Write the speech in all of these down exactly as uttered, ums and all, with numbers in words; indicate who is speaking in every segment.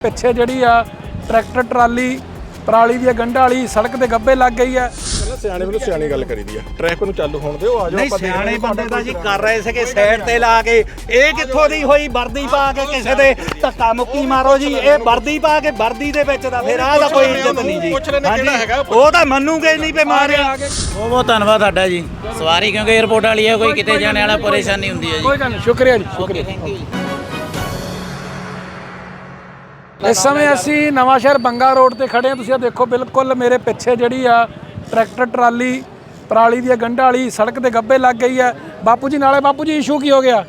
Speaker 1: ਪਿੱਛੇ ਜਿਹੜੀ ਆ ਟਰੈਕਟਰ ਟਰਾਲੀ ਪਰਾਲੀ ਦੀ ਗੰਢਾਂ ਵਾਲੀ ਸੜਕ ਤੇ ਗੱਬੇ ਲੱਗ ਗਈ ਹੈ।
Speaker 2: ਸਿਆਣੇ ਵੱਲੋਂ ਸਿਆਣੀ ਗੱਲ ਕਰੀਦੀ ਆ, ਟ੍ਰੈਫਿਕ ਨੂੰ ਚਾਲੂ ਹੋਣ ਦਿਓ। ਆ ਜਾਓ
Speaker 3: ਨਹੀਂ ਸਿਆਣੇ ਬੰਦੇ ਦਾ ਜੀ ਕਰ ਰਹੇ ਸੀਗੇ ਸਾਈਡ ਤੇ ਲਾ ਕੇ। ਇਹ ਕਿੱਥੋਂ ਦੀ ਹੋਈ ਵਰਦੀ ਪਾ ਕੇ ਕਿਸੇ ਦੇ ਧੱਕਾ ਮੁੱਕੀ ਮਾਰੋ ਜੀ। ਇਹ ਵਰਦੀ ਪਾ ਕੇ ਵਰਦੀ ਦੇ ਵਿੱਚ ਦਾ ਫਿਰ ਆਹ ਦਾ ਕੋਈ ਇੱਜ਼ਤ ਨਹੀਂ ਜੀ। ਉਹ ਤਾਂ ਮੰਨੂਗੇ ਨਹੀਂ ਪੇ ਮਾਰਿਆ।
Speaker 4: ਬਹੁਤ ਬਹੁਤ ਧੰਨਵਾਦ ਤੁਹਾਡਾ ਜੀ। ਸਵਾਰੀ ਕਿਉਂਕਿ 에어ਪੋਰਟ ਵਾਲੀ ਹੈ, ਕੋਈ ਕਿਤੇ ਜਾਣੇ ਵਾਲਾ ਪਰੇਸ਼ਾਨੀ ਹੁੰਦੀ ਹੈ ਜੀ।
Speaker 1: ਕੋਈ ਗੱਲ ਨਹੀਂ, ਸ਼ੁਕਰੀਆ ਜੀ, ਸ਼ੁਕਰੀਆ।
Speaker 4: Thank you.
Speaker 1: ਇਸ ਸਮੇਂ ਅਸੀਂ ਨਵਾਂ ਸ਼ਹਿਰ ਬੰਗਾ ਰੋਡ ਤੇ ਖੜੇ ਹਾਂ। ਤੁਸੀਂ ਆ ਦੇਖੋ ਬਿਲਕੁਲ ਮੇਰੇ ਪਿੱਛੇ ਜਿਹੜੀ ਆ ਟਰੈਕਟਰ ਟਰਾਲੀ ਪਰਾਲੀ ਦੀ ਗੰਢਾਂ ਵਾਲੀ ਸੜਕ ਤੇ ਗੱਬੇ ਲੱਗ ਗਈ ਹੈ। ਬਾਪੂ ਜੀ ਨਾਲੇ ਬਾਪੂ ਜੀ ਇਸ਼ੂ ਕੀ ਹੋ ਗਿਆ?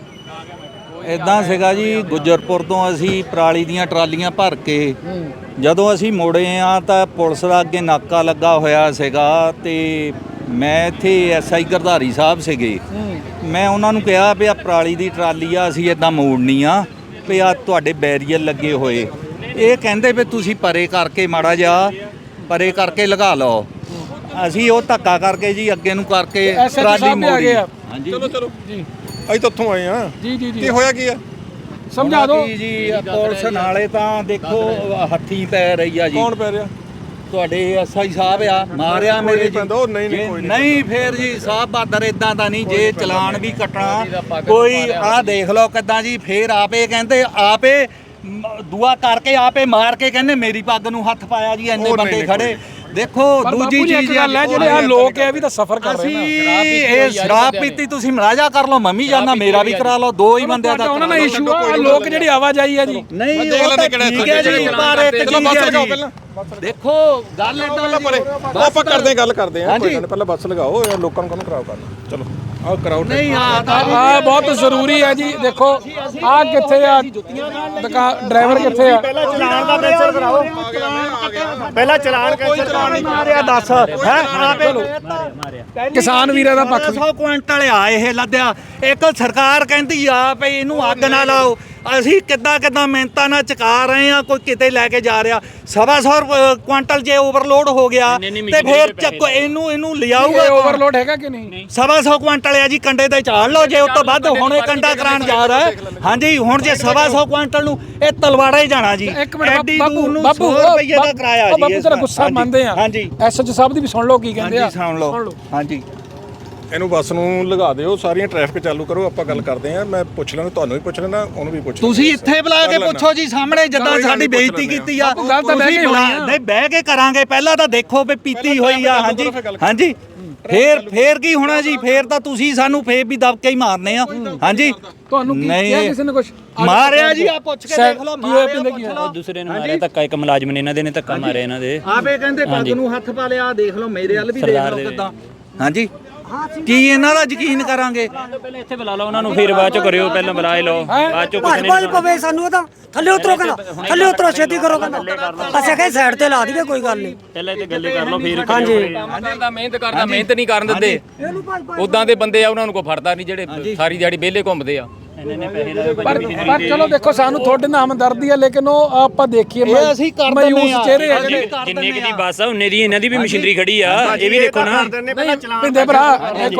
Speaker 3: ਇਦਾਂ ਸੀਗਾ ਜੀ, ਗੁੱਜਰਪੁਰ ਤੋਂ ਅਸੀਂ ਪਰਾਲੀ ਦੀਆਂ ਟਰਾਲੀਆਂ ਭਰ ਕੇ ਜਦੋਂ ਅਸੀਂ ਮੁੜੇ ਆ ਤਾਂ ਪੁਲਿਸ ਦਾ ਅੱਗੇ ਨਾਕਾ ਲੱਗਾ ਹੋਇਆ ਸੀਗਾ ਤੇ ਮੈਂ ਇੱਥੇ ਐਸਆਈ ਗਰਧਾਰੀ ਸਾਹਿਬ ਸੀਗੇ। ਮੈਂ ਉਹਨਾਂ ਨੂੰ ਕਿਹਾ ਵੀ ਆ ਪਰਾਲੀ ਦੀ ਟਰਾਲੀ ਆ ਅਸੀਂ ਇਦਾਂ ਮੋੜਨੀ ਆ ਵੀ ਆ ਤੁਹਾਡੇ ਬੈਰੀਅਰ ਲੱਗੇ ਹੋਏ। ਇਹ ਕਹਿੰਦੇ ਵੀ ਤੁਸੀਂ ਪਰੇ ਕਰਕੇ ਮਾੜਾ ਜਿਹਾ ਪਰੇ ਕਰਕੇ ਲਗਾ ਲਓ। ਅਸੀਂ ਉਹ ਧੱਕਾ ਕਰਕੇ ਜੀ ਅੱਗੇ ਨੂੰ ਕਰਕੇ ਟਰਾਲੀ ਮੋੜੀ। ਹਾਂਜੀ
Speaker 2: ਚਲੋ ਚਲੋ ਜੀ, ਅਸੀਂ ਤਾਂ ਉੱਥੋਂ ਆਏ ਆ
Speaker 1: ਜੀ ਜੀ ਜੀ।
Speaker 2: ਕੀ ਹੋਇਆ ਕੀ ਆ
Speaker 1: ਸਮਝਾ ਦਿਓ
Speaker 3: ਜੀ। ਪੁਲਿਸ ਨਾਲੇ ਤਾਂ ਦੇਖੋ ਹੱਥੀਂ ਪੈ ਰਹੀ ਆ ਜੀ।
Speaker 2: ਕੌਣ ਪੈ ਰਿਹਾ?
Speaker 3: ਤੁਹਾਡੇ ਐਸਆਈ ਸਾਹਿਬ ਆ ਮਾਰਿਆ ਮੇਰੇ ਜੀ।
Speaker 2: ਉਹ ਨਹੀਂ ਨਹੀਂ ਕੋਈ
Speaker 3: ਨਹੀਂ ਫੇਰ ਜੀ ਸਾਹਿਬ ਬਾਦਰ ਇਦਾਂ ਦਾ ਨਹੀਂ। ਜੇ ਚਲਾਨ ਵੀ ਕੱਟਣਾ ਕੋਈ ਆਹ ਦੇਖ ਲਓ ਕਿੱਦਾਂ ਜੀ। ਫੇਰ ਆਪੇ ਕਹਿੰਦੇ ਆਪੇ ਦੁਆ ਕਰਕੇ ਆਪੇ ਮਾਰ ਕੇ ਕਹਿੰਦੇ ਮੇਰੀ ਪੱਗ ਨੂੰ ਹੱਥ ਪਾਇਆ ਜੀ। ਇੰਨੇ ਬੰਦੇ ਖੜੇ ਦੇਖੋ। ਦੂਜੀ ਚੀਜ਼
Speaker 1: ਗੱਲ ਹੈ ਜਿਹੜੇ ਆ ਲੋਕ ਹੈ ਵੀ ਤਾਂ ਸਫਰ ਕਰ ਰਹੇ ਨੇ।
Speaker 3: ਇਹ ਸ਼ਰਾਬ ਪੀਤੀ ਤੁਸੀਂ ਮਲਾਜਾ ਕਰ ਲਓ, ਮੰਮੀ ਜਾਨਾ ਮੇਰਾ ਵੀ ਕਰਾ ਲਓ। ਦੋ ਹੀ ਬੰਦਿਆਂ ਦਾ
Speaker 1: ਉਹਨਾਂ ਨਾਲ ਇਸ਼ੂ ਆ। ਲੋਕ ਜਿਹੜੀ ਆਵਾਜਾਈ ਆ ਜੀ।
Speaker 3: ਨਹੀਂ ਉਹ ਤਾਂ ਠੀਕ ਹੈ ਜੀ, ਪਰ ਇੱਕ ਚੀਜ਼ ਹੈ ਜੀ ਦੇਖੋ ਗੱਲ ਇਦਾਂ
Speaker 2: ਪਰੇ ਆਪਾਂ ਕਰਦੇ ਗੱਲ ਕਰਦੇ ਆ। ਕੋਈ ਗੱਲ ਪਹਿਲਾਂ ਬੱਸ ਲਗਾਓ ਯਾਰ, ਲੋਕਾਂ ਨੂੰ ਕੰਮ ਖਰਾਬ ਕਰਨਾ। ਚਲੋ ਆਹ ਕਰਾਓ।
Speaker 3: ਨਹੀਂ ਆ
Speaker 1: ਆ ਬਹੁਤ ਜ਼ਰੂਰੀ ਹੈ ਜੀ। ਦੇਖੋ ਆ ਕਿੱਥੇ ਆ ਦੁਕਾਨ ਡਰਾਈਵਰ ਕਿੱਥੇ ਆ?
Speaker 3: ਪਹਿਲਾਂ ਚਲਾਨ ਦਾ ਕੈਂਸਲ ਕਰਾਓ। ਪਹਿਲਾਂ ਚਲਾਨ ਕੈਂਸਲ ਕਰਾਉਣੀ ਮਾਰਿਆ ਦੱਸ ਹੈ ਆਪੇ
Speaker 1: ਕਿਸਾਨ ਵੀਰਾਂ ਦਾ ਪੱਖ
Speaker 3: ਸੌ ਕੁਇੰਟਲ ਆ ਇਹ ਲੱਦਿਆ। ਇੱਕ ਸਰਕਾਰ ਕਹਿੰਦੀ ਆ ਵੀ ਇਹਨੂੰ ਅੱਗ ਨਾ ਲਾਓ। ਅਸੀਂ ਕਿੱਦਾਂ ਕਿੱਦਾਂ ਮਿਹਨਤਾਂ ਨਾਲ ਚਕਾ ਰਹੇ ਆ। ਕੋਈ ਕਿਤੇ ਲੈ ਕੇ ਜਾ ਰਿਹਾ ਸਵਾ ਸੌ ਕੁਇੰਟਲ ਜੇ ਓਵਰਲੋਡ ਹੋ ਗਿਆ ਤੇ ਫਿਰ ਚੱਕੋ ਇਹਨੂੰ ਇਹਨੂੰ ਲਿਆਊਗਾ।
Speaker 1: ਓਵਰਲੋਡ ਹੈਗਾ ਕਿ ਨਹੀਂ?
Speaker 3: ਸਵਾ ਸੌ ਕੁਇੰਟਲ ਆ ਜੀ। ਕੰਡੇ ਤੇ ਚਾੜ ਲਓ ਜੇ ਉਸ ਤੋਂ ਵੱਧ ਹੁਣੇ ਕੰਡਾ ਕਰਾਉਣ ਜਾ ਰਿਹਾ। ਹਾਂਜੀ ਹੁਣ ਜੇ ਸਵਾ ਸੌ ਕੁਇੰਟਲ ਨੂੰ ਇਹ ਤਲਵਾੜਾ ਹੀ ਜਾਣਾ ਜੀ।
Speaker 1: ਇੱਕ ਮਿੰਟ ਬਾਪੂ ਬਾਪੂ
Speaker 3: ਰੁਪਏ ਦਾ ਕਿਰਾਇਆ ਜੀ।
Speaker 1: ਬਾਪੂ ਤੇਰਾ ਗੁੱਸਾ ਮੰਨਦੇ ਆ।
Speaker 3: ਹਾਂਜੀ
Speaker 1: ਐਸਐਚ ਸਾਹਿਬ ਦੀ ਵੀ ਸੁਣ ਲਓ ਕੀ ਕਹਿੰਦੇ ਆ।
Speaker 3: ਸੁਣ ਲਓ। ਹਾਂਜੀ
Speaker 2: ਇਹਨੂੰ ਬੱਸ ਨੂੰ ਲਗਾ ਦਿਓ, ਸਾਰੀਆਂ ਟ੍ਰੈਫਿਕ ਚਾਲੂ ਕਰੋ। ਆਪਾਂ ਗੱਲ ਕਰਦੇ ਆ। ਮੈਂ ਪੁੱਛ ਲੈਣਾ, ਤੁਹਾਨੂੰ ਵੀ ਪੁੱਛ ਲੈਣਾ, ਉਹਨੂੰ ਵੀ ਪੁੱਛ ਲੈਣਾ।
Speaker 3: ਤੁਸੀਂ ਇੱਥੇ ਬੁਲਾ ਕੇ ਪੁੱਛੋ ਜੀ ਸਾਹਮਣੇ ਜਿੱਦਾਂ ਸਾਡੀ ਬੇਇੱਜ਼ਤੀ ਕੀਤੀ ਆ।
Speaker 1: ਗੱਲ ਤਾਂ ਬਹਿ ਕੇ ਹੋਣੀ ਆ।
Speaker 3: ਨਹੀਂ ਬਹਿ ਕੇ ਕਰਾਂਗੇ। ਪਹਿਲਾਂ ਤਾਂ ਦੇਖੋ ਵੀ ਪੀਤੀ ਹੋਈ ਆ। ਹਾਂਜੀ ਹਾਂਜੀ ਫੇਰ ਫੇਰ ਕੀ ਹੋਣਾ ਜੀ? ਫੇਰ ਤਾਂ ਤੁਸੀਂ ਸਾਨੂੰ ਫੇਰ ਵੀ ਦਬਕੇ ਹੀ ਮਾਰਨੇ ਆ। ਹਾਂਜੀ
Speaker 1: ਤੁਹਾਨੂੰ ਕੀ ਕਿਹਾ ਕਿਸੇ ਨੇ ਕੁਝ
Speaker 3: ਮਾਰਿਆ ਜੀ? ਆ ਪੁੱਛ ਕੇ ਦੇਖ ਲਓ।
Speaker 4: ਉਹ ਦੂਸਰੇ ਨੇ ਮਾਰਿਆ ਧੱਕਾ, ਇੱਕ ਮੁਲਾਜ਼ਮ ਨੇ ਇਹਨਾਂ ਦੇ ਨੇ ਧੱਕਾ ਮਾਰਿਆ ਇਹਨਾਂ ਦੇ।
Speaker 3: ਆਪੇ ਕਹਿੰਦੇ ਪੱਗ ਨੂੰ ਹੱਥ ਪਾ ਲਿਆ। ਦੇਖ ਲਓ ਮੇਰੇ ਵੱਲ ਵੀ ਦੇਖ ਲਓ ਕਿੱਦਾਂ। ਹਾਂਜੀ ਕੀ ਇਹਨਾਂ ਦਾ ਯਕੀਨ ਕਰਾਂਗੇ?
Speaker 4: ਪਹਿਲਾਂ ਇੱਥੇ ਬੁਲਾ ਲਓ ਉਹਨਾਂ ਨੂੰ, ਫਿਰ ਬਾਅਦ ਚ ਕਰਿਓ। ਪਹਿਲਾਂ ਬੁਲਾ ਲਓ, ਬਾਅਦ ਚ ਕੁਝ
Speaker 5: ਨਹੀਂ ਪਵੇ ਸਾਨੂੰ। ਤਾਂ ਥੱਲੇ ਉਤਰੋ ਕਹਿੰਦਾ, ਥੱਲੇ ਉਤਰੋ ਛੇਤੀ ਕਰੋ ਕਹਿੰਦਾ। ਅਸੀਂ ਕਹੇ ਸਾਈਡ ਤੇ ਲਾ ਦਈਏ, ਕੋਈ ਗੱਲ ਨਹੀਂ।
Speaker 4: ਪਹਿਲਾਂ ਇੱਥੇ ਗੱਲੇ ਕਰ ਲਓ ਫਿਰ।
Speaker 5: ਹਾਂਜੀ
Speaker 6: ਦਾ ਮਿਹਨਤ ਕਰਦਾ ਮਿਹਨਤ ਨਹੀਂ ਕਰਨ ਦਿੰਦੇ। ਉਦਾਂ ਦੇ ਬੰਦੇ ਆ, ਉਹਨਾਂ ਨੂੰ ਕੋਈ ਫੜਦਾ ਨਹੀਂ ਜਿਹੜੇ ਸਾਰੀ ਦਿਹਾੜੀ ਵਿਹਲੇ ਘੁੰਮਦੇ ਆ।
Speaker 1: ਪਰ ਪਰ ਚਲੋ ਦੇਖੋ ਸਾਨੂੰ ਤੁਹਾਡੇ ਨਾਲ ਹਮਦਰਦੀ ਹੈ, ਲੇਕਿਨ ਉਹ ਆਪਾਂ ਦੇਖੀਏ
Speaker 3: ਅਸੀਂ ਕਰ ਦਿੰਦੇ
Speaker 1: ਮਾਯੂਸ
Speaker 3: ਆ।
Speaker 1: ਚਿਹਰੇ ਆ ਜਿਹੜੇ।
Speaker 4: ਜਿੰਨੇ ਕਿ ਦੀ ਬੱਸ ਆ ਉਹਨੇ ਦੀ ਇਹਨਾਂ ਦੀ ਵੀ ਮਸ਼ੀਨਰੀ ਖੜੀ ਆ। ਇਹ ਵੀ ਦੇਖੋ ਨਾ।
Speaker 1: ਪਿੰਦੇ ਭਰਾ ਇੱਕ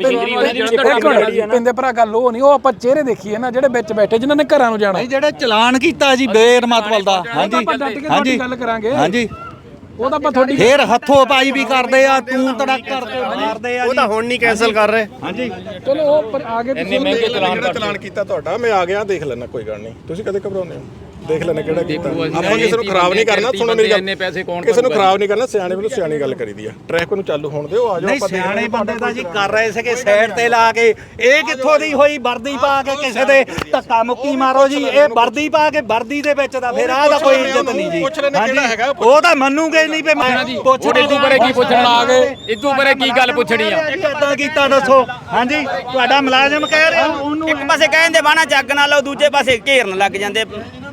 Speaker 1: ਮਿੰਟ ਪਿੰਦੇ ਭਰਾ ਗੱਲ ਉਹ ਨਹੀਂ, ਉਹ ਆਪਾਂ ਚਿਹਰੇ ਦੇਖੀਏ ਨਾ ਜਿਹੜੇ ਵਿੱਚ ਬੈਠੇ ਜਿਨ੍ਹਾਂ ਨੇ ਘਰਾਂ ਨੂੰ ਜਾਣਾ।
Speaker 3: ਨਹੀਂ ਜਿਹੜੇ ਚਲਾਨ ਕੀਤਾ ਜੀ ਬੇਰਮਤਵਲ ਦਾ। ਹਾਂਜੀ
Speaker 1: ਹਾਂਜੀ ਗੱਲ ਕਰਾਂਗੇ।
Speaker 3: ਹਾਂਜੀ
Speaker 1: ਉਹ ਤਾਂ ਆਪਾਂ ਤੁਹਾਡੀ
Speaker 3: ਫੇਰ ਹੱਥੋਂ ਪਾਈ ਵੀ ਕਰਦੇ ਆ। ਤੂੰ ਤੜਕ ਕਰਕੇ ਮਾਰਦੇ ਆ।
Speaker 7: ਉਹ ਤਾਂ ਹੁਣ ਨਹੀਂ ਕੈਨਸਲ ਕਰ ਰਹੇ।
Speaker 3: ਹਾਂਜੀ
Speaker 1: ਚਲੋ ਉਹ ਪਰ ਆਗੇ
Speaker 6: ਇੰਨੇ ਮਹਿੰਗੇ ਚਲਾਨ
Speaker 2: ਜਿਹੜਾ ਚਲਾਨ ਕੀਤਾ ਤੁਹਾਡਾ, ਮੈਂ ਆ ਗਿਆ ਦੇਖ ਲੈਣਾ, ਕੋਈ ਗੱਲ ਨਹੀਂ। ਤੁਸੀਂ ਕਦੇ ਘਬਰਾਉਂਦੇ ਹੋ? ਦੇਖ ਲੈਣਾ ਕਿਹੜਾ ਕੀਤਾ। ਆਪਾਂ ਕਿਸੇ ਨੂੰ ਖਰਾਬ ਨਹੀਂ ਕਰਨਾ। ਸੁਣੋ ਮੇਰੀ ਗੱਲ, ਕਿਸੇ ਨੂੰ ਖਰਾਬ ਨਹੀਂ ਕਰਨਾ। ਸਿਆਣੇ ਵੱਲੋਂ ਸਿਆਣੀ ਗੱਲ ਕਰੀਦੀ ਆ। ਟ੍ਰੈਫਿਕ ਨੂੰ ਚਾਲੂ ਹੋਣ ਦਿਓ। ਆ ਜਾਓ।
Speaker 3: ਨਹੀਂ ਸਿਆਣੇ ਬੰਦੇ ਦਾ ਜੀ ਕਰ ਰਹੇ ਸੀਗੇ ਸਾਈਡ ਤੇ ਲਾ ਕੇ। ਇਹ ਕਿੱਥੋਂ ਦੀ ਹੋਈ ਵਰਦੀ ਪਾ ਕੇ ਕਿਸੇ ਦੇ ਧੱਕਾ ਮੁੱਕੀ ਮਾਰੋ ਜੀ। ਇਹ ਵਰਦੀ ਪਾ ਕੇ ਵਰਦੀ ਦੇ ਵਿੱਚ ਦਾ ਫਿਰ ਆਹ ਦਾ ਕੋਈ ਇੱਜ਼ਤ ਨਹੀਂ ਜੀ। ਹਾਂਜੀ ਉਹ ਤਾਂ ਮੰਨੂਗੇ ਨਹੀਂ ਪੇ ਮੈਂ
Speaker 6: ਪੁੱਛ ਇਦੋਂ ਬਾਰੇ ਕੀ ਪੁੱਛਣ ਆ ਗਏ? ਇਦੋਂ ਬਾਰੇ ਕੀ ਗੱਲ ਪੁੱਛਣੀ ਆ?
Speaker 3: ਕਿੱਦਾਂ ਕੀਤਾ ਦੱਸੋ? ਹਾਂਜੀ ਤੁਹਾਡਾ ਮੁਲਾਜ਼ਮ ਕਹਿ ਰਿਹਾ ਉਹਨੂੰ
Speaker 5: ਇੱਕ ਪਾਸੇ ਕਹਿੰਦੇ ਬਾਣਾ ਚੱਕ ਨਾ ਲਓ, ਦੂਜੇ ਪਾਸੇ ਘੇਰਨ ਲੱਗ ਜਾਂਦੇ।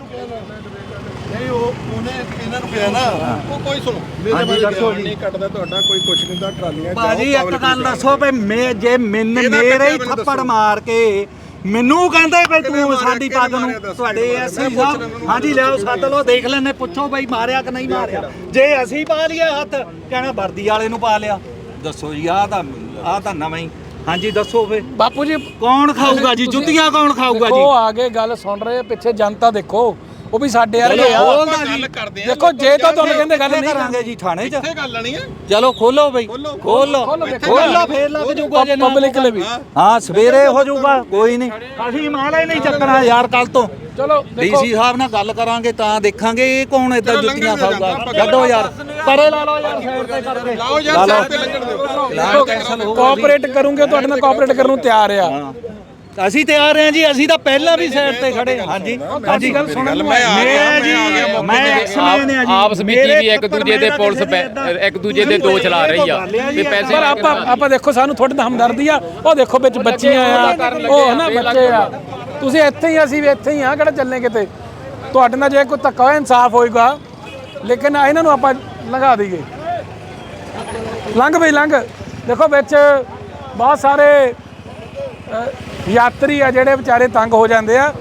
Speaker 2: ਨਹੀਂ ਉਹ ਉਹਨੇ ਇਹਨਾਂ ਨੂੰ ਕਿਹਾ ਨਾ, ਉਹ ਕੋਈ ਸੁਣੋ ਮੇਰੇ ਬਾਰੇ ਨਹੀਂ ਕੱਟਦਾ ਤੁਹਾਡਾ ਕੋਈ ਕੁਛ ਨਹੀਂ ਦਾ। ਟਰਾਲੀਆਂ
Speaker 3: ਭਾਜੀ ਇੱਕ ਗੱਲ ਦੱਸੋ ਵੀ ਮੈਂ ਜੇ ਮੈਨੂੰ ਮੇਰੇ ਹੀ ਥੱਪੜ ਮਾਰ ਕੇ ਮੈਨੂੰ ਕਹਿੰਦੇ ਬਈ ਤੂੰ ਸਾਡੀ ਪੱਗ ਨੂੰ ਤੁਹਾਡੇ ਐਸਆਈ ਸਾਹਿਬ ਹਾਂਜੀ ਲਿਆਓ ਸੱਦ ਲਓ, ਦੇਖ ਲੈਣੇ, ਪੁੱਛੋ ਬਈ ਮਾਰਿਆ ਕਿ ਨਹੀਂ ਮਾਰਿਆ। ਜੇ ਅਸੀਂ ਪਾ ਲਈਏ ਹੱਥ ਕਹਿਣਾ ਵਰਦੀ ਵਾਲੇ ਨੂੰ ਪਾ ਲਿਆ। ਦੱਸੋ ਜੀ ਆਹ ਤਾਂ ਆਹ ਤਾਂ ਨਵਾਂ ਹੀ। ਹਾਂਜੀ ਦੱਸੋ ਫੇ
Speaker 1: ਬਾਪੂ ਜੀ
Speaker 3: ਕੌਣ ਖਾਊਗਾ ਜੀ? ਜੁੱਤੀਆਂ ਕੌਣ ਖਾਊਗਾ ਜੀ?
Speaker 1: ਉਹ ਆਗੇ ਗੱਲ ਸੁਣ ਰਹੇ ਪਿੱਛੇ ਜਨਤਾ ਦੇਖੋ। ਉਹ ਵੀ ਸਾਡੇ ਵਰਗੇ ਆ।
Speaker 2: ਗੱਲ ਕਰਦੇ ਆ
Speaker 1: ਦੇਖੋ ਜੇ ਤਾਂ ਤੁਹਾਨੂੰ ਕਹਿੰਦੇ ਗੱਲ ਨਹੀਂ
Speaker 3: ਕਰਾਂਗੇ ਜੀ ਥਾਣੇ 'ਚ
Speaker 2: ਇਹ ਗੱਲ ਨਹੀਂ ਹੈ
Speaker 3: ਚਲੋ ਖੋਲੋ ਬਈ ਖੋਲੋ ਖੋਲੋ ਫੇਰ ਲੱਗ ਜੂਗਾ ਜੇ ਨਾ
Speaker 1: ਪਬਲਿਕ ਲਈ ਵੀ
Speaker 3: ਹਾਂ ਸਵੇਰੇ ਹੋ ਜਾਊਗਾ ਕੋਈ ਨਹੀਂ ਅਸੀਂ ਮਾਲਾ ਹੀ ਨਹੀਂ ਚੱਕਣਾ ਯਾਰ ਕੱਲ ਤੋਂ
Speaker 1: ਚਲੋ
Speaker 3: ਡੀਸੀ ਸਾਹਿਬ ਨਾਲ ਗੱਲ ਕਰਾਂਗੇ ਤਾਂ ਦੇਖਾਂਗੇ ਇਹ ਕੌਣ ਏਦਾਂ ਜੁੱਤੀਆਂ ਖਾਊਗਾ ਛੱਡੋ ਯਾਰ ਪਰੇ ਲਾ ਲਓ ਯਾਰ ਸਾਈਡ ਤੇ ਕਰਕੇ
Speaker 2: ਲਾਓ ਯਾਰ ਸਾਈਡ ਤੇ ਲੰਘਣ ਦਿਓ
Speaker 3: ਲਾਈਨ ਕੈਂਸਲ ਹੋ
Speaker 1: ਕੋਆਪਰੇਟ ਕਰੂੰਗੇ ਤੁਹਾਡੇ ਨਾਲ ਕੋਆਪਰੇਟ ਕਰਨ ਨੂੰ ਤਿਆਰ ਆ।
Speaker 3: ਅਸੀਂ ਤਿਆਰ ਹਾਂ ਜੀ ਅਸੀਂ ਤਾਂ ਪਹਿਲਾਂ ਵੀ ਸਾਈਡ ਤੇ ਖੜੇ ਹਾਂਜੀ ਹਾਂਜੀ
Speaker 1: ਗੱਲ ਸੁਣਨ
Speaker 2: ਮੈਂ ਆ ਗਿਆ
Speaker 3: ਜੀ
Speaker 2: ਮੈਂ ਆ ਗਿਆ
Speaker 3: ਮੈਂ ਐਕਸਮੈਨ ਆ ਜੀ
Speaker 6: ਆਪ ਸਮਿਤੀ ਵੀ ਇੱਕ ਦੂਜੇ ਦੇ ਪੁਲਿਸ ਪੈ- ਇੱਕ ਦੂਜੇ ਦੇ ਦੋਸ਼ ਲਾ ਰਹੀ ਆ ਤੇ ਪੈਸੇ
Speaker 1: ਪਰ ਆਪਾਂ ਆਪਾਂ ਦੇਖੋ ਸਾਨੂੰ ਤੁਹਾਡੇ ਨਾਲ ਹਮਦਰਦੀ ਆ। ਉਹ ਦੇਖੋ ਵਿੱਚ ਬੱਚੀਆਂ ਆ ਉਹ ਹਨਾ ਬੱਚੇ ਆ। ਤੁਸੀਂ ਇੱਥੇ ਹੀ ਅਸੀਂ ਵੀ ਇੱਥੇ ਹੀ ਆ ਕਿਹੜਾ ਚੱਲਨੇ ਕਿਤੇ। ਤੁਹਾਡੇ ਨਾਲ ਜੇ ਕੋਈ ਧੱਕਾ ਹੋਇਆ ਇਨਸਾਫ ਹੋਏਗਾ ਲੇਕਿਨ ਇਹਨਾਂ ਨੂੰ ਆਪਾਂ ਲੰਘਾ ਦਈਏ। ਲੰਘ ਬਈ ਲੰਘ। ਦੇਖੋ ਵਿੱਚ ਬਹੁਤ ਸਾਰੇ ਅ, ਯਾਤਰੀ ਆ ਜਿਹੜੇ ਵਿਚਾਰੇ ਤੰਗ ਹੋ ਜਾਂਦੇ ਆ।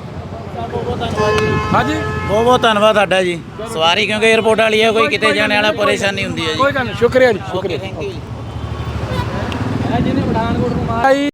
Speaker 1: ਹਾਂਜੀ
Speaker 4: ਬਹੁਤ ਬਹੁਤ ਧੰਨਵਾਦ ਤੁਹਾਡਾ ਜੀ ਸਵਾਰੀ ਕਿਉਂਕਿ 에어ਪੋਰਟ ਵਾਲੀ ਹੈ ਕੋਈ ਕਿਤੇ ਜਾਣ ਵਾਲਾ ਪਰੇਸ਼ਾਨੀ ਹੁੰਦੀ ਹੈ ਜੀ
Speaker 1: ਕੋਈ ਗੱਲ ਨਹੀਂ ਸ਼ੁਕਰੀਆ ਜੀ ਸ਼ੁਕਰੀਆ।
Speaker 4: ਥੈਂਕ ਯੂ ਜੀ
Speaker 1: ਆਈ